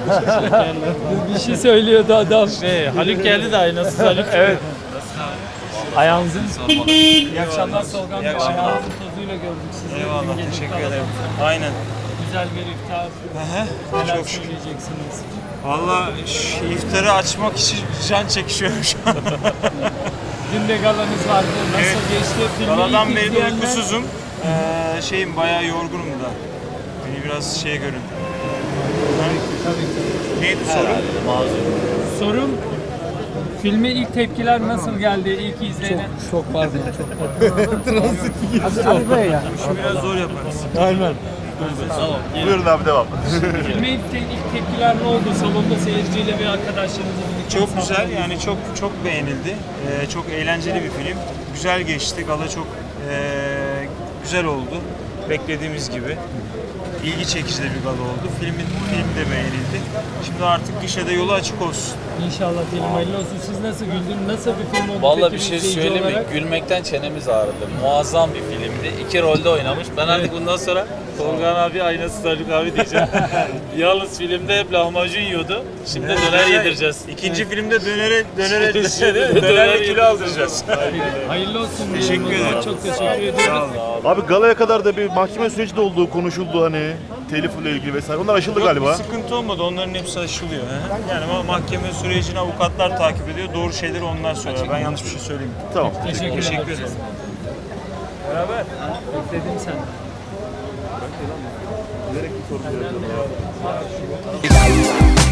Bir şey söylüyordu adam. Haluk geldi de aynası Haluk. Evet. Ayağınızın Sormalı. İyi akşamlar Solgan Bey. İyi akşamlar. Ayağınızın tozuyla gördük sizi. Eyvallah, Dün gece teşekkür kalabalık. ederim. Aynen. Güzel bir iftar. Neler Çok şükür. söyleyeceksiniz? Valla iftarı açmak için can çekişiyorum şu an. Dün de galanız vardı. Nasıl Evet. geçti? Filmi Galadan ilk beri de izleyenler- uykusuzum. Şeyim bayağı yorgunum da. Beni biraz şeye görün. Tabii ki. Neydi soru? Sorum, filme ilk tepkiler nasıl geldi ilk izleyene? Çok pardon, Ali Bey ya. Şu biraz zor yaparız. Aynen. Buyurun abi devam. Filme ilk tepkiler ne oldu? Salonda seyirciyle ve arkadaşlarınızla birlikte. Çok güzel yani çok beğenildi. Çok eğlenceli bir film. Güzel geçti. Gala çok güzel oldu. Beklediğimiz gibi. İlgi çekici de bir gala oldu. Film de beğenildi. Şimdi artık gişede yolu açık olsun. İnşallah diyelim hayırlı olsun. Siz nasıl güldünüz? Nasıl bir film oldu? Vallahi peki bir şey izleyici söyleyeyim mi? olarak? Gülmekten çenemiz ağrıdı. Muazzam bir filmdi. 2 rolde oynamış. Ben artık bundan sonra Tolga abi aynası Haluk abi diyeceğim. Yalnız filmde hep lahmacun yiyordu. Şimdi döner yedireceğiz. İkinci filmde dönerle Döner kilo aldıracağız. Hayırlı olsun. Teşekkür diyelim o zaman. ederim. Çok teşekkür ediyoruz. Abi galaya kadar da bir mahkeme süreci de olduğu konuşuldu hani. Telifle ilgili vesaire. Onlar aşıldı Yok, galiba. bir sıkıntı olmadı. Onların hepsi aşılıyor. Yani mahkeme sürecini avukatlar takip ediyor. Doğru şeyleri onlar söylüyor. Ben yanlış bir şey söyleyeyim. Tamam. Teşekkür Teşekkür ederim. ederim. Beraber. Bekledim sen. Direkt bir soru soruyorum.